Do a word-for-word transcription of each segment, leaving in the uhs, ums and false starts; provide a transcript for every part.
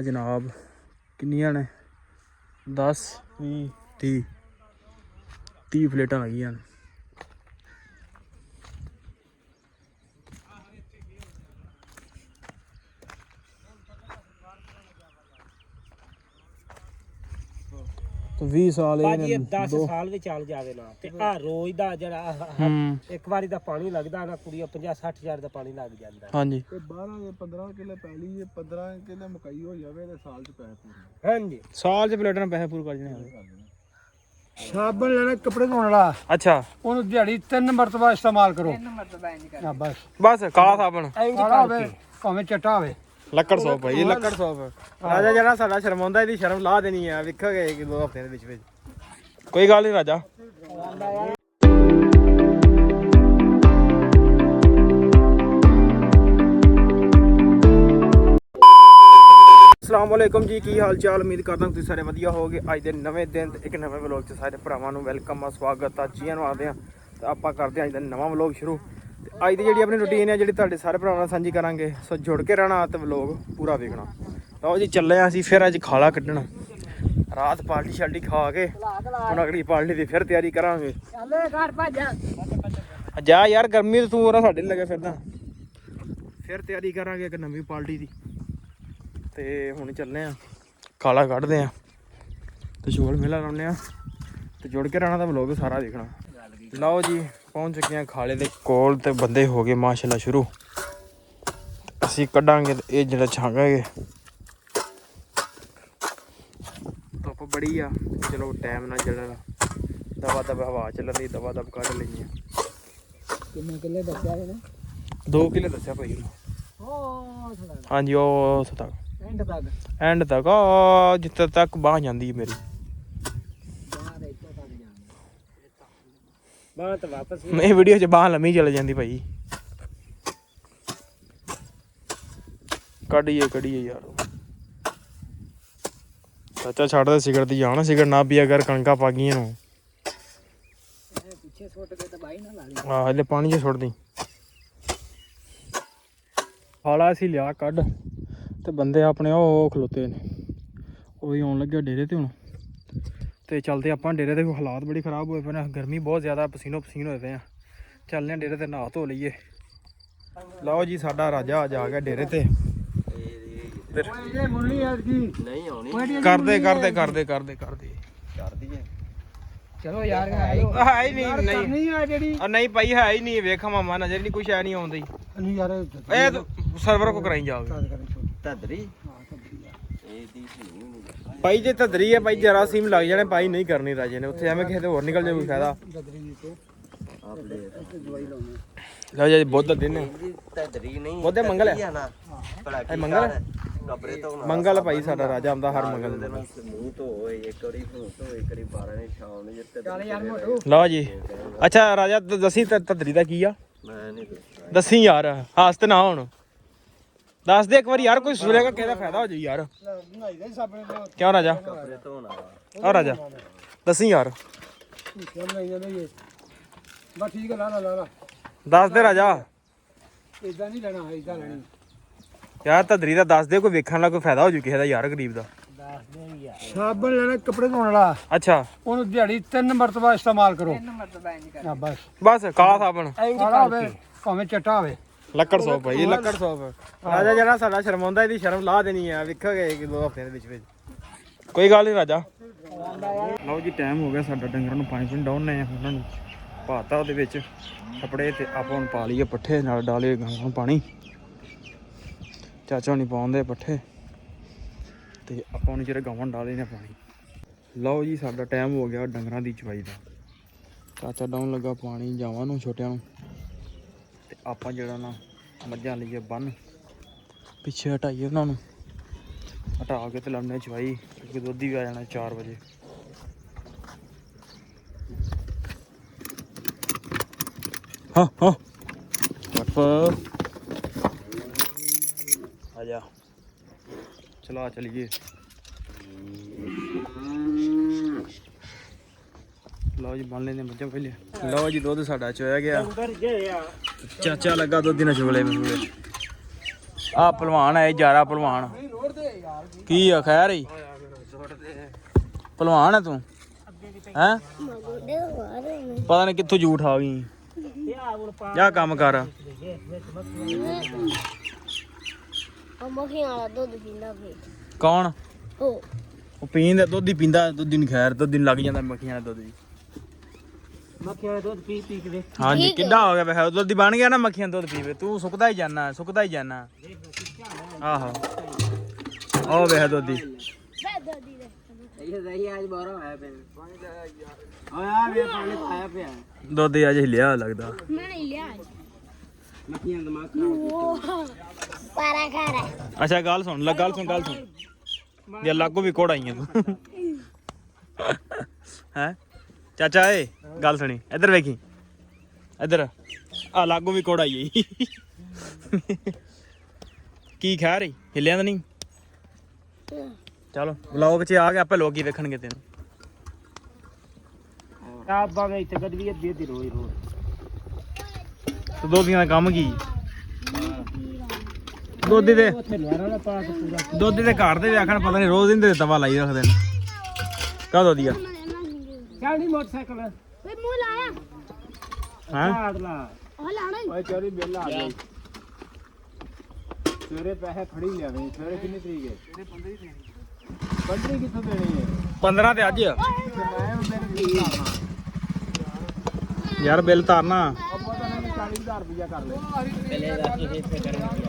जनाब किन्नियां ने दस भी ती ती प्लेटां लगियां ने। ਵੀਹ ਸਾਲ ਭਾਜੀ ਦਸ ਸਾਲ ਵੀ ਚੱਲ ਜਾਵੇ ਨਾ ਤੇ ਆ ਰੋਜ਼ ਦਾ ਜਿਹੜਾ ਇੱਕ ਵਾਰੀ ਦਾ ਪਾਣੀ ਲੱਗਦਾ ਨਾ ਕੁੜੀਆਂ ਪੰਜਾਹ ਸੱਠ ਹਜ਼ਾਰ ਦਾ ਪਾਣੀ ਲੱਗ ਜਾਂਦਾ। ਹਾਂਜੀ ਤੇ ਬਾਰਾਂ ਦੇ ਪੰਦਰਾਂ ਕਿੱਲੇ ਪੈਲੀ ਜੇ ਪੰਦਰਾਂ ਕਿੱਲੇ ਮਕਈ ਹੋ ਜਾਵੇ ਤੇ ਸਾਲ ਚ ਪੈਸੇ ਪੂਰੇ। ਹਾਂਜੀ ਸਾਲ ਚ ਪਲੇਟਾਂ ਪੈਸੇ ਪੂਰੇ ਕਰ ਜਣੇ। ਸਾਬਣ ਲੈਣਾ ਕੱਪੜੇ ਧੋਣ ਵਾਲਾ, ਅੱਛਾ ਉਹਨੂੰ ਦਿਹਾੜੀ ਤਿੰਨ ਮਰਤਬਾ ਇਸਤੇਮਾਲ ਕਰੋ। ਤਿੰਨ ਮਰਤਬਾ ਇੰਜ ਕਰ ਬਸ ਬਸ ਕਾਲਾ ਸਾਬਣ ਕਾਲਾ ਹੋਵੇ ਭਾਵੇਂ ਚਿੱਟਾ ਹੋਵੇ। ਲੱਕੜ ਸੌਪ ਭਾਈ, ਲੱਕੜ ਸੌਪ। ਰਾਜਾ ਜਿਹੜਾ ਸਾਡਾ ਸ਼ਰਮਾਉਂਦਾ ਇਹਦੀ ਸ਼ਰਮ ਲਾ ਦੇਣੀ ਆ, ਵੇਖੋਗੇ ਕਿ ਦੋ ਹਫ਼ਤਿਆਂ ਦੇ ਵਿੱਚ ਵਿੱਚ। ਕੋਈ ਗੱਲ ਨਹੀਂ ਰਾਜਾ। अस्सलाम वालेकुम जी, की हाल चाल। उम्मीद करदा तुसीं सारे वधिया होगे। अज दे नवें दिन ते एक नवें व्लॉग च सारे भरावां नूं वेलकम आ, स्वागत आ, जीआं नूं आखदे आ। ते आपां करदे अज दा नवां व्लॉग शुरू। ते अज दी जिहड़ी अपनी रूटीन है जिहड़ी तुहाडे सारे भरावां नाल सांझी करांगे, सो जुड़ के रहना ते व्लॉग पूरा वेखना। लओ जी चले आ असीं फिर अज खाला कड्ढण। रात पार्टी शाल्टी खा के हुण अगली पार्टी दी फिर तैयारी करांगे। जा यार गर्मी तूं ना साडे लगे फिरदा। फिर तैयारी करांगे एक नवीं पार्टी दी। ਤੇ ਹੁਣ ਚੱਲੇ ਆ ਖਾਲਾ ਕੱਢਦੇ ਆ ਤੇ ਛੋਲ ਮੇਲਾ ਲਾਉਂਦੇ ਆ ਤੇ ਜੁੜ ਕੇ ਰਹਿਣਾ ਤਾਂ ਵਲੋਗ ਸਾਰਾ ਦੇਖਣਾ। ਲਓ ਜੀ ਪਹੁੰਚ ਚੁੱਕੇ ਆ ਖਾਲੇ ਦੇ ਕੋਲ ਤੇ ਬੰਦੇ ਹੋ ਗਏ ਮਾਸ਼ਾਅੱਲਾ ਸ਼ੁਰੂ। ਅਸੀਂ ਕੱਢਾਂਗੇ ਤੇ ਇਹ ਜਿਹੜਾ ਛਾਂਗਾਂਗੇ। ਧੁੱਪ ਬੜੀ ਆ, ਚਲੋ ਟਾਈਮ ਨਾਲ ਚੱਲਣਾ, ਦਵਾ ਦਵਾ ਹਵਾ ਚੱਲਣ ਦੀ ਦਵਾ ਦਵ ਕੱਢ ਲੈਣੀ ਆ। ਕਿੰਨੇ ਕਿੱਲੇ ਦੱਸਿਆ ਇਹਨੇ? ਦੋ ਕਿੱਲੇ ਦੱਸਿਆ ਭਾਈ ਨੂੰ। ਉਹ ਹਾਂਜੀ ਉਹ ਉੱਥੇ ਤੱਕ ਐਂਡ ਤੱਕ ਐਂਡ ਤੱਕ ਆ ਜਿੱਥੇ ਤੱਕ ਬਾਂਹ ਜਾਂਦੀ ਹੈ ਮੇਰੀ ਬਾਹਰ ਤਾਂ ਵਾਪਸ ਇਹ ਵੀਡੀਓ 'ਚ ਬਾਂਹ ਲੰਮੀ ਚਲ ਜਾਂਦੀ ਭਾਈ। ਕੱਢੀਏ ਕੱਢੀਏ ਯਾਰ। ਚਾਚਾ ਛੱਡ ਦੇ ਸਿਗਰਟ ਦੀ ਜਾਣ, ਸਿਗਰਟ ਨਾ ਪੀਆ ਕਰ, ਕਣਕਾਂ ਪਾ ਗਈਆਂ ਨੂੰ। ਪਿੱਛੇ ਸੁੱਟ ਕੇ ਤਾਂ ਬਾਈ ਨਾ ਲਾ ਲਈ। ਆਹ ਹਲੇ ਪਾਣੀ 'ਚ ਸੁੱਟ ਦੀ। ਖਾਲਾ ਅਸੀਂ ਲਿਆ ਕੱਢ ਤੇ ਬੰਦੇ ਆਪਣੇ ਉਹ ਖਲੋਤੇ ਨੇ, ਉਹ ਵੀ ਆਉਣ ਲੱਗਿਆ ਡੇਰੇ ਤੇ ਹੁਣ। ਤੇ ਚੱਲਦੇ ਆਪਾਂ ਡੇਰੇ ਦੇ। ਹਾਲਾਤ ਬੜੀ ਖਰਾਬ ਹੋਏ ਪਏ ਨੇ, ਗਰਮੀ ਬਹੁਤ ਜ਼ਿਆਦਾ, ਪਸੀਨੋ ਪਸੀਨ ਹੋਏ ਪਏ ਆ। ਚੱਲਦੇ ਆ ਡੇਰੇ ਤੇ, ਨਹਾ ਧੋ ਲਈਏ। ਲਓ ਜੀ ਸਾਡਾ ਰਾਜਾ ਅੱਜ ਆ ਗਿਆ ਡੇਰੇ ਤੇ। ਇਹ ਮੁਰਲੀ ਐਤਕੀ ਨਹੀਂ ਆਉਣੀ। ਕਰਦੇ ਕਰਦੇ ਕਰਦੇ ਕਰਦੇ ਕਰਦੇ ਕਰਦੀ ਹੈ। ਚਲੋ ਯਾਰ ਹੈ ਹੀ ਨਹੀਂ। ਨਹੀਂ ਨਹੀਂ ਆ ਜਿਹੜੀ ਨਹੀਂ ਭਾਈ ਹੈ ਹੀ ਨਹੀਂ। ਵੇਖਾ ਮਾਮਾ ਨਜ਼ਰ ਨਹੀਂ ਕੁਛ ਹੈ ਨਹੀਂ ਆਉਂਦੀ। ਨਹੀਂ ਯਾਰ ਇਹ ਸਰਵਰ ਕੋ ਕਰਾਈ ਜਾਓਗੇ ਧਦਰੀ ਇਹਦੀ ਭਾਈ। ਜੇ ਧਦਰੀ ਹੈ ਭਾਈ ਜਰਾ ਸੀਮ ਲੱਗ ਜਾਣੇ ਭਾਈ, ਨਹੀਂ ਕਰਨੀ ਰਾਜੇ ਨੇ ਉੱਥੇ, ਐਵੇਂ ਕਿਸੇ ਤੇ ਹੋਰ ਨਿਕਲ ਜਾਏ ਕੋਈ ਫਾਇਦਾ। ਲਓ ਜੀ ਬੁੱਧ ਦਾ ਦਿਨ ਹੈ। ਧਦਰੀ ਨਹੀਂ ਬੁੱਧ ਮੰਗਲ ਹੈ ਨਾ ਭਲਾ ਇਹ ਮੰਗਲ ਹੈ। ਕਬਰੇ ਤੋਂ ਮੰਗਲ ਭਾਈ ਸਾਡਾ ਰਾਜਾ ਆਉਂਦਾ ਹਰ ਮੰਗਲ ਨੂੰ। ਮੂੰਹ ਧੋਏ ਇੱਕ ਵਾਰੀ ਮੂੰਹ ਧੋਏ ਇੱਕ ਵਾਰੀ ਬਾਰਾਂ ਨੇ ਸ਼ਾਮ ਨੂੰ ਜਿੱਤੇ। ਚੱਲ ਯਾਰ ਮੋਟੂ ਲਓ ਜੀ ਅੱਛਾ ਰਾਜਾ ਦੱਸੀ ਧਦਰੀ ਦਾ ਕੀ ਆ? ਮੈਂ ਨਹੀਂ ਦੱਸੀ ਯਾਰ, ਹਾਸ ਤੇ ਨਾ ਹੁਣ ਦੱਸ ਦੇ ਇੱਕ ਵਾਰੀ ਯਾਰ, ਕੋਈ ਸੁਣੇਗਾ ਕਿਹਦਾ ਫਾਇਦਾ ਹੋ ਜਾਈ ਯਾਰ। ਨਹਾਈ ਦੇ ਸਾਬਣ ਨਾਲ ਕਿਉਂ ਰਾਜਾ? ਕਬਰੇ ਧੋਣ ਵਾਲਾ ਆ ਰਾਜਾ ਦੱਸੀ ਯਾਰ, ਕਿਉਂ ਨਹੀਂ ਜਾਂਦੇ ਇਹ? ਬਸ ਠੀਕ ਹੈ, ਲਾ ਲਾ ਲਾ ਲਾ। ਦੱਸ ਦੇ ਰਾਜਾ। ਇਦਾਂ ਨਹੀਂ ਲੈਣਾ, ਇਦਾਂ ਲੈਣੀ ਯਾਰ ਧਦਰੀ ਦਾ ਦੱਸ ਦੇ, ਕੋਈ ਵੇਖਣ ਵਾਲਾ ਕੋਈ ਫਾਇਦਾ ਹੋ ਜੂ ਕਿਸੇ ਦਾ ਯਾਰ, ਗਰੀਬ ਦਾ। ਦੱਸ ਦੇ ਯਾਰ। ਸਾਬਣ ਲੈਣਾ ਕੱਪੜੇ ਧੋਣ ਵਾਲਾ, ਅੱਛਾ ਉਹਨੂੰ ਦਿਹਾੜੀ ਤਿੰਨ ਮਰਤਬਾ ਇਸਤੇਮਾਲ ਕਰੋ। ਤਿੰਨ ਮਰਤਬਾ ਇੰਜ ਕਰ ਬਸ ਬਸ ਕਾਲਾ ਸਾਬਣ, ਕਾਲਾ ਹੋਵੇ ਭਾਵੇਂ ਚਿੱਟਾ ਹੋਵੇ। ਲੱਕੜ ਸੌਪ ਭਾਈ, ਲੱਕੜ ਸੌਪ। ਰਾਜਾ ਜਿਹੜਾ ਸਾਡਾ ਸ਼ਰਮਾਉਂਦਾ ਇਹਦੀ ਸ਼ਰਮ ਲਾ ਦੇਣੀ ਆ, ਵੇਖੋਗੇ ਕਿ ਦੋ ਹਫ਼ਤਿਆਂ ਦੇ ਵਿੱਚ ਵਿੱਚ। ਕੋਈ ਗੱਲ ਨਹੀਂ ਰਾਜਾ। ਲਓ ਜੀ ਟਾਈਮ ਹੋ ਗਿਆ ਸਾਡਾ, ਡੰਗਰਾਂ ਨੂੰ ਪਾਣੀ ਪੂਣੀ ਡਾਉਣੇ ਆ, ਉਹਨਾਂ ਨੂੰ ਪਾਤਾ ਉਹਦੇ ਵਿੱਚ ਕੱਪੜੇ ਤੇ ਆਪਾਂ ਹੁਣ ਪਾ ਲਈਏ ਪੱਠੇ, ਨਾਲ ਡਾਲੇ ਗਾਂ ਨੂੰ ਪਾਣੀ। ਚਾਚਾ ਨਹੀਂ ਪਾਉਂਦੇ ਪੱਠੇ ਤੇ ਆਪਾਂ ਨੂੰ ਜਿਹੜੇ ਗਾਵਾਂ ਡਾਲੇ ਨੇ ਪਾਣੀ। ਲਓ ਜੀ ਸਾਡਾ ਟਾਈਮ ਹੋ ਗਿਆ ਡੰਗਰਾਂ ਦੀ ਚਵਾਈ ਦਾ। ਚਾਚਾ ਡਾਉਣ ਲੱਗਾ ਪਾਣੀ ਜਾਵਾਂ ਨੂੰ, ਛੋਟਿਆਂ ਨੂੰ। ਤੇ ਆਪਾਂ ਜਿਹੜਾ ਨਾ ਮੱਝਾਂ ਲਈਏ ਬੰਨ, ਪਿੱਛੇ ਹਟਾਈਏ ਉਹਨਾਂ ਨੂੰ, ਹਟਾ ਕੇ ਤੇ ਲਾਉਣੇ ਚਵਾਈ, ਕਿਉਂਕਿ ਦੁੱਧ ਵੀ ਆ ਜਾਣਾ ਚਾਰ ਵਜੇ। ਹਾਂ ਹਾਂ ਆ ਜਾ ਚਲਾ ਚਲੀਏ। ਲਓ ਜੀ ਬੰਨ ਲੈਂਦੇ ਮੱਝਾਂ ਪਹਿਲੇ। ਲਓ ਜੀ ਦੁੱਧ ਸਾਡਾ ਚੋਇਆ ਗਿਆ। ਚਾਚਾ ਲੱਗਾ ਦੁੱਧ ਨਾਲ ਚੁਗਲੇ ਮਸੂਲੇ। ਆ ਭਲਵਾਨ ਹੈ, ਜਾਰਾ ਭਲਵਾਨ। ਕੀ ਆ ਖੈਰ ਹੀ ਭਲਵਾਨ ਆ ਤੂੰ ਹੈਂ ਪਤਾ ਨਹੀਂ ਕਿੱਥੋਂ ਝੂਠ ਆ ਗਈ ਜਾ ਕੰਮ ਕਰ ਮੱਖੀਆਂ ਵਾਲਾ ਦੁੱਧ ਪੀਂਦਾ ਫੇ ਕੌਣ ਉਹ ਉਹ ਪੀਂਦਾ ਦੁੱਧ ਹੀ ਪੀਂਦਾ ਦੁੱਧ ਹੀ ਨੀ ਖੈਰ ਦੁੱਧ ਹੀ ਨੀ ਲੱਗ ਜਾਂਦਾ ਮੱਖੀਆਂ ਦਾ ਦੁੱਧ ਜੀ ਮੱਖੀਆਂ ਦਾ ਦੁੱਧ ਪੀ ਪੀ ਕੇ ਵੇਖ ਹਾਂਜੀ ਕਿੱਡਾ ਹੋ ਗਿਆ ਵੇ ਦੁੱਧ ਹੀ ਬਣ ਗਿਆ ਨਾ ਮੱਖੀਆਂ ਦਾ ਦੁੱਧ ਪੀਵੇ ਤੂੰ ਸੁੱਕਦਾ ਹੀ ਜਾਣਾ ਸੁੱਕਦਾ ਹੀ ਜਾਣਾ ਆਹੋ ਉਹ ਵੇ ਦੁੱਧ ਹੀ ਬੈ ਦਾਦੀ ਦੇ ਇਹ ਦਹੀਂ ਅੱਜ ਬਾਹਰੋਂ ਆਇਆ ਪਿਆ ਓਏ ਆ ਵੇ ਪਾਣੀ ਆਇਆ ਪਿਆ ਦੁੱਧ ਹੀ ਅੱਜ ਹਿੱਲਿਆ ਲੱਗਦਾ ਮੈਂ ਨਹੀਂ ਲਿਆ ਮੱਖੀਆਂ ਦਿਮਾਗ ਖਰਾਬ ਪਾਰਾ ਖਾਰਾ ਅੱਛਾ ਗੱਲ ਸੁਣ ਲੈ ਗੱਲ ਸੁਣ ਗੱਲ ਸੁਣ ਜੇ ਲਾਗੋ ਵੀ ਕੋੜ ਆਈਆਂ ਤੂੰ ਹੈ ਚਾਚਾ ਏ ਗੱਲ ਸੁਣੀ ਇੱਧਰ ਵੇਖੀ ਇੱਧਰ ਆ ਲਾਗੋ ਵੀ ਕੋੜ ਆਈ ਕੀ ਖਾ ਰਹੀ ਹਿੱਲਿਆ ਤਾਂ ਨਹੀਂ ਚਲੋ ਵਲੌਗ 'ਚ ਆ ਕੇ ਆਪੇ ਲੋਕੀ ਵੇਖਣਗੇ ਤੈਨੂੰ ਆ ਬਾਵੇ ਇੱਥੇ ਗੱਡੀ ਅੱਧੀ ਅੱਧੀ ਰੋਈ ਰੋਈ ਤੇ ਦੋਧੀਆਂ ਦਾ ਕੰਮ ਕੀ ਦੋਧੀ ਦੇ ਉੱਥੇ ਲਵਾਰਾ ਦਾ ਪਾ ਕੇ ਪੂਰਾ ਦੋਧੀ ਦੇ ਘਰ ਦੇ ਵੀ ਆਖਣ ਪਤਾ ਨਹੀਂ ਰੋਜ਼ ਦਿਨ ਤਵਾ ਲਾਈ ਰੱਖਦੇ ਨੇ ਕਾ ਦੋਧੀ ਆ ਚੱਲ ਨਹੀਂ ਮੋਟਰਸਾਈਕਲ ਵੇ ਮੂੰਹ ਲਾਇਆ ਹਾਂ ਆੜ ਲਾ ਉਹ ਲਾਣਾ ਓਏ ਚੋਰੀ ਬਿੱਲ ਆ ਗਈ ਸਵੇਰੇ ਪੈਸੇ ਖੜੀ ਲਿਆਵੇਂ ਸਵੇਰੇ ਕਿੰਨੀ ਤਰੀਕ ਹੈ ਸਵੇਰੇ ਪੰਦਰਾਂ ਤਰੀਕ ਪੰਦਰਾਂ ਕਿੱਥੋਂ ਦੇਣੀ ਹੈ ਪੰਦਰਾਂ ਤੇ ਅੱਜ ਮੈਂ ਮੇਰੇ ਬਿੱਲ ਲਾਣਾ ਯਾਰ ਬਿੱਲ ਤਾਰਨਾ ਆਪਾਂ ਤਾਂ ਨਹੀਂ ਚਾਲੀ ਹਜ਼ਾਰ ਰੁਪਇਆ ਕਰ ਲੈ ਪਹਿਲੇ ਦਾ ਕੀ ਇੱਥੇ ਕਰਾਂਗੇ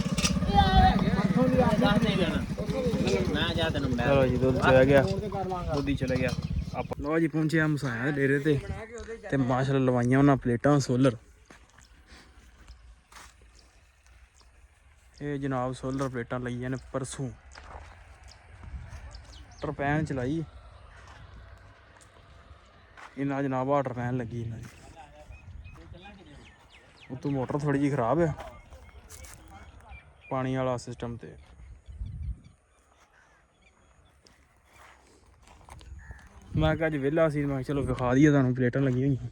ਮੈਂ ਜਾ ਤੈਨੂੰ ਮੈਂ ਚਲੋ ਜੀ ਦੁੱਧ ਚਲਾ ਗਿਆ ਦੁੱਧ ਹੀ ਚਲਾ ਗਿਆ ਆਪਾਂ ਲੋ ਜੀ ਪਹੁੰਚੇ ਆ ਮਸਾਇਆ ਡੇਰੇ ਤੇ ਤੇ ਮਾਸ਼ਾਅੱਲਾ ਲਵਾਈਆਂ ਉਹਨਾਂ ਪਲੇਟਾਂ ਸੋਲਰ ਇਹ ਜਨਾਬ ਸੋਲਰ ਪਲੇਟਾਂ ਲਈਆਂ ਨੇ ਪਰਸੋਂ ਟਰਪੈਨ ਚਲਾਈ ਇਹਨਾਂ ਜਨਾਬ ਆ ਟਰਪੈਨ ਲੱਗੀ ਇਹਨਾਂ ਦੀ ਉਤੋਂ ਮੋਟਰ ਥੋੜੀ ਜਿਹੀ ਖਰਾਬ ਆ ਪਾਣੀ ਵਾਲਾ ਸਿਸਟਮ ਤੇ ਮੈਂ ਕਿਹਾ ਅੱਜ ਵਿਹਲਾ ਸੀ ਮੈਂ ਕਿਹਾ ਚਲੋ ਵਿਖਾ ਦਈਏ ਤੁਹਾਨੂੰ ਪਲੇਟਾਂ ਲੱਗੀਆਂ ਹੋਈਆਂ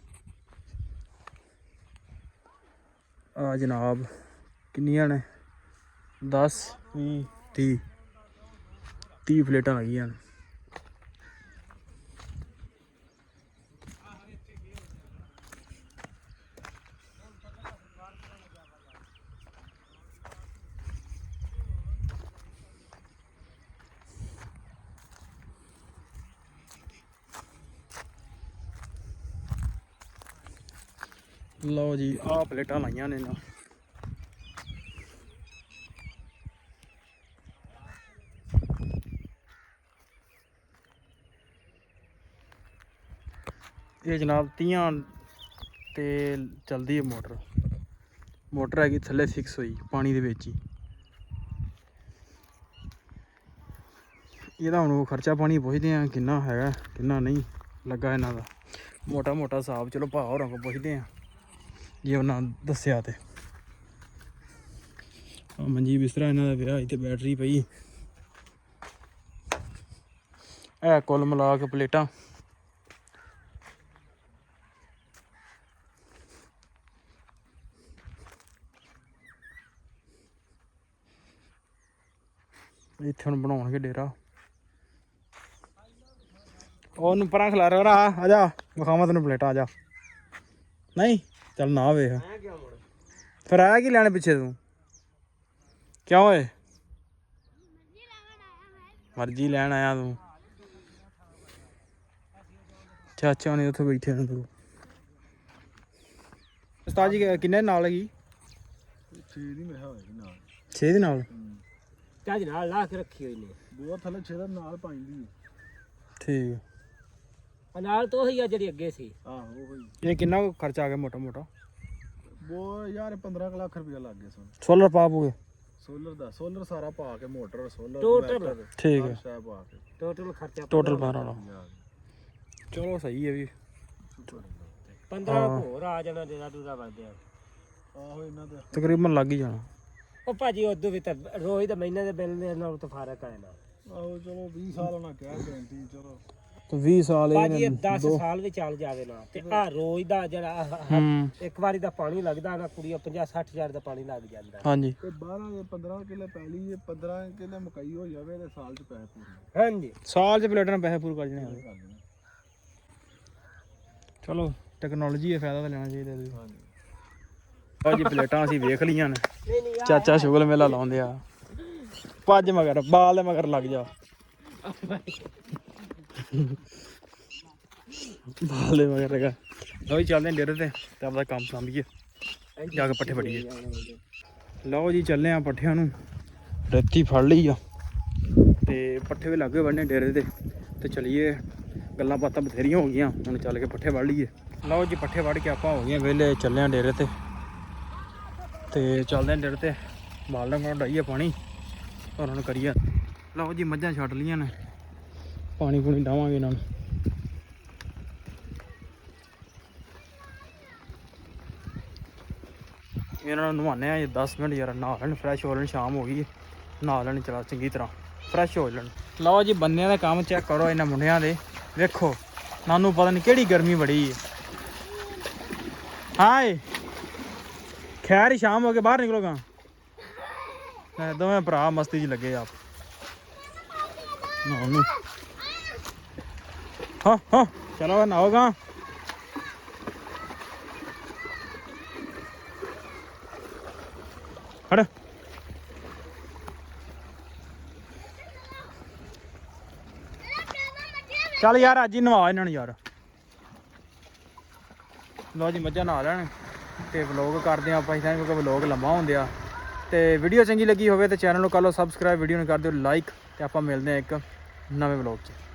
ਆ ਜਨਾਬ ਕਿੰਨੀਆਂ ਨੇ ਦਸ ਵੀਹ ਤੀਹ ਤੀਹ ਪਲੇਟਾਂ ਲੱਗੀਆਂ ਨੇ ਲਓ ਜੀ ਆਹ ਪਲੇਟਾਂ ਲਾਈਆਂ ਨੇ ਨਾ ਇਹ ਜਨਾਬ ਤੀਆਂ ਤੇ ਚਲਦੀ ਹੈ ਮੋਟਰ ਮੋਟਰ ਹੈਗੀ ਥੱਲੇ ਫਿਕਸ ਹੋਈ ਪਾਣੀ ਦੇ ਵਿੱਚ ਹੀ ਇਹਦਾ ਹੁਣ ਉਹ ਖਰਚਾ ਪਾਣੀ ਪੁੱਛਦੇ ਆ ਕਿੰਨਾ ਹੈਗਾ ਕਿੰਨਾ ਨਹੀਂ ਲੱਗਾ ਇਹਨਾਂ ਦਾ ਮੋਟਾ ਮੋਟਾ ਹਿਸਾਬ ਚਲੋ ਭਾ ਹੋਰਾਂ ਕੋਲ ਪੁੱਛਦੇ ਆ ਜੇ ਉਹਨਾਂ ਦੱਸਿਆ ਤੇ ਆ ਮੰਜੀ ਬਿਸਤਰਾ ਇਹਨਾਂ ਦਾ ਵਿਆਹ ਤੇ ਬੈਟਰੀ ਪਈ ਇਹ ਕੁੱਲ ਮਿਲਾ ਕੇ ਪਲੇਟਾਂ ਇੱਥੇ ਹੁਣ ਬਣਾਉਣਗੇ ਡੇਰਾ ਉਹਨੂੰ ਪਰਾਂ ਖਿਲਾ ਰਿਹਾ ਆ ਜਾ ਵਿਖਾਵਾਂ ਤੈਨੂੰ ਪਲੇਟਾਂ ਆ ਜਾ ਨਹੀਂ ਚੱਲ ਨਾ ਵੇਖ ਫਿਰ ਆਇਆ ਕੀ ਲੈਣ ਪਿੱਛੇ ਤੂੰ ਕਿਉਂ ਓਏ ਮਰਜ਼ੀ ਲੈਣ ਆਇਆ ਤੂੰ ਚਾਚਾ ਨੇ ਉੱਥੇ ਬੈਠੇ ਨੇ ਤੂੰ ਉਸਤਾਦ ਜੀ ਕਿੰਨੇ ਨਾਲ ਹੈਗੀ ਛੇ ਦੀ ਮੈਂ ਹੋਏਗੀ ਨਾਲ ਛੇ ਦੇ ਨਾਲ ਚੱਜ ਨਾਲ ਲਾ ਕੇ ਰੱਖੀ ਹੋਈ ਨੇ ਦੋ ਥੱਲੇ ਛੇ ਦਾ ਨਾਲ ਪਾਈਂਦੀ ਠੀਕ ਆ ਨਾਲ ਤੋਂ ਹੀ ਆ ਜਿਹੜੀ ਅੱਗੇ ਸੀ ਆਹੋ ਹੋਈ ਇਹ ਕਿੰਨਾ ਕੁ ਖਰਚਾ ਆ ਗਿਆ ਮੋਟਾ ਮੋਟਾ ਉਹ ਯਾਰ ਪੰਦਰਾਂ ਲੱਖ ਰੁਪਇਆ ਲੱਗ ਗਿਆ ਸਨ ਸੋਲਰ ਪਾਪ ਹੋ ਗਏ ਸੋਲਰ ਦਾ ਸੋਲਰ ਸਾਰਾ ਪਾ ਕੇ ਮੋਟਰ ਸੋਲਰ ਟੋਟਲ ਠੀਕ ਹੈ ਸ਼ਾਇਦ ਪਾ ਕੇ ਟੋਟਲ ਖਰਚਾ ਟੋਟਲ ਬਾਰਾਂ ਵਾਲਾ ਚਲੋ ਸਹੀ ਹੈ ਵੀ ਪੰਦਰਾਂ ਹੋਰ ਆ ਜਾਣਾ ਜਿਹੜਾ ਦੂਰਾ ਵੱਧਿਆ ਆਹੋ ਇਹਨਾਂ ਦਾ ਤਕਰੀਬਨ ਲੱਗ ਹੀ ਜਾਣਾ ਉਹ ਭਾਜੀ ਉਦੋਂ ਵੀ ਤਾਂ ਰੋਜ਼ ਦਾ ਮਹੀਨੇ ਦੇ ਬਿੱਲ ਦੇ ਨਾਲ ਤਾਂ ਫਰਕ ਆਇਆ ਨਾ ਆਹੋ ਚਲੋ ਵੀਹ ਸਾਲ ਉਹਨਾਂ ਕਿਹਾ ਗਰੰਟੀ ਚਲੋ ਤੇ ਵੀਹ ਸਾਲ ਭਾਜੀ ਇਹ ਇਹ ਦਸ ਸਾਲ ਵੀ ਚੱਲ ਜਾਵੇ ਨਾ ਤੇ ਆ ਰੋਜ਼ ਦਾ ਜਿਹੜਾ ਆਹ- ਆਹ ਹੂੰ ਇੱਕ ਵਾਰੀ ਦਾ ਪਾਣੀ ਲੱਗਦਾ ਨਾ ਕੁੜੀਆਂ ਪੰਜਾਹ ਸੱਠ ਹਜ਼ਾਰ ਦਾ ਪਾਣੀ ਲੱਗ ਜਾਂਦਾ। ਹਾਂਜੀ ਤੇ ਬਾਰਾਂ ਦੇ ਪੰਦਰਾਂ ਕਿੱਲੇ ਪੈਲੀ ਜੇ ਪੰਦਰਾਂ ਕਿੱਲੇ ਮਕਈ ਹੋ ਜਾਵੇ ਤੇ ਸਾਲ ਚ ਪੈਸੇ ਪੂਰੇ ਹਾਂਜੀ ਸਾਲ 'ਚ ਪਲੇਟਾਂ ਨਾਲ ਪੈਸੇ ਪੂਰੇ ਕਰ ਜਣੇ ਆ। ਚਲੋ ਟੈਕਨੋਲੋਜੀ ਦਾ ਫਾਇਦਾ ਤਾਂ ਲੈਣਾ ਚਾਹੀਦਾ ਜੀ। ਆਹ ਜੀ ਪਲੇਟਾਂ ਅਸੀਂ ਵੇਖ ਲਈਆਂ ਨੇ। ਚਾਚਾ ਸ਼ੁਗਲ ਮੇਲਾ ਲਾਉਂਦੇ ਆ। ਭੱਜ ਮਗਰ ਬਾਲ ਦੇ ਮਗਰ ਲੱਗ ਜਾ। ਬਾਲ ਦੇ ਮਗਰ ਲਗਾ। ਲਓ ਜੀ ਚੱਲਦੇ ਡੇਰੇ ਤੇ ਤੇ ਆਪਦਾ ਕੰਮ ਸੰਭੀਏ ਜਾ ਕੇ ਪੱਠੇ ਫੜੀਏ। ਲਓ ਜੀ ਚੱਲੇ ਆ ਪੱਠਿਆਂ ਨੂੰ ਰੇਤੀ ਫੜ ਲਈ ਆ ਤੇ ਪੱਠੇ ਵੀ ਲੱਗੇ ਬੰਨੇ ਡੇਰੇ ਤੇ ਤੇ ਚਲੀਏ। ਗੱਲਾਂ ਬਾਤਾਂ ਬਥੇਰੀਆਂ ਹੋ ਗਈਆਂ ਹੁਣ ਚੱਲ ਕੇ ਪੱਠੇ ਵੜ ਲਈਏ। ਲਓ ਜੀ ਪੱਠੇ ਵੜ ਕੇ ਆਪਾਂ ਹੋ ਗਏ ਵਿਹਲੇ ਚੱਲੇ ਆ ਡੇਰੇ ਤੇ ਤੇ ਚੱਲਦੇ ਆ ਡੇਰੇ ਤੇ ਬਾਲਣ ਕੋਲ ਡਾਈਏ ਪਾਣੀ ਉਹਨਾਂ ਨੂੰ ਕਰੀਏ। ਲਓ ਜੀ ਮੱਝਾਂ ਛੱਡ ਲੀਆਂ ਨੇ ਪਾਣੀ ਪੂਣੀ ਡਾਵਾਂਗੇ ਇਹਨਾਂ ਨੂੰ। ਇਹਨਾਂ ਨੂੰ ਨਵਾਉਂਦੇ ਆ ਦਸ ਮਿੰਟ ਯਾਰ ਨਹਾ ਲੈਣ ਫਰੈਸ਼ ਹੋ ਲੈਣ। ਸ਼ਾਮ ਹੋ ਗਈ ਨਹਾ ਲੈਣ ਚਲਾ ਚੰਗੀ ਤਰ੍ਹਾਂ ਫਰੈਸ਼ ਹੋ ਲੈਣ। ਲਓ ਜੀ ਬੰਨਿਆਂ ਦਾ ਕੰਮ ਚੈੱਕ ਕਰੋ ਇਹਨਾਂ ਮੁੰਡਿਆਂ ਦੇ। ਵੇਖੋ ਨਾਨੂੰ ਪਤਾ ਨਹੀਂ ਕਿਹੜੀ ਗਰਮੀ ਬੜੀ ਹੈ। ਹਾਏ ਖੈਰ ਹੀ ਸ਼ਾਮ ਹੋ ਕੇ ਬਾਹਰ ਨਿਕਲੋਗਾ। ਦੋਵੇਂ ਭਰਾ ਮਸਤੀ 'ਚ ਲੱਗੇ ਆਪ ਨਹਾਉਣ। ਹਾਂ ਹਾਂ ਚਲੋ ਨਹਾਓਗਾ। ਹਟ ਚੱਲ ਯਾਰ ਅੱਜ ਹੀ ਨਵਾ ਇਹਨਾਂ ਨੂੰ ਯਾਰ। ਲਓ ਜੀ ਮੱਝਾਂ ਨਹਾ ਲੈਣ ਤੇ ਵਲੋਗ ਕਰਦੇ ਆ ਆਪਾਂ ਇਦਾਂ ਕਿਉਂਕਿ ਵਲੋਗ ਲੰਮਾ ਹੁੰਦੇ ਆ। ਤੇ ਵੀਡੀਓ ਚੰਗੀ ਲੱਗੀ ਹੋਵੇ ਤੇ ਚੈਨਲ ਨੂੰ ਕਰ ਲਓ ਸਬਸਕ੍ਰਾਈਬ, ਵੀਡੀਓ ਨੂੰ ਕਰ ਦਿਓ ਲਾਈਕ ਤੇ ਆਪਾਂ ਮਿਲਦੇ ਆ ਇੱਕ ਨਵੇਂ ਵਲੋਗ 'ਚ।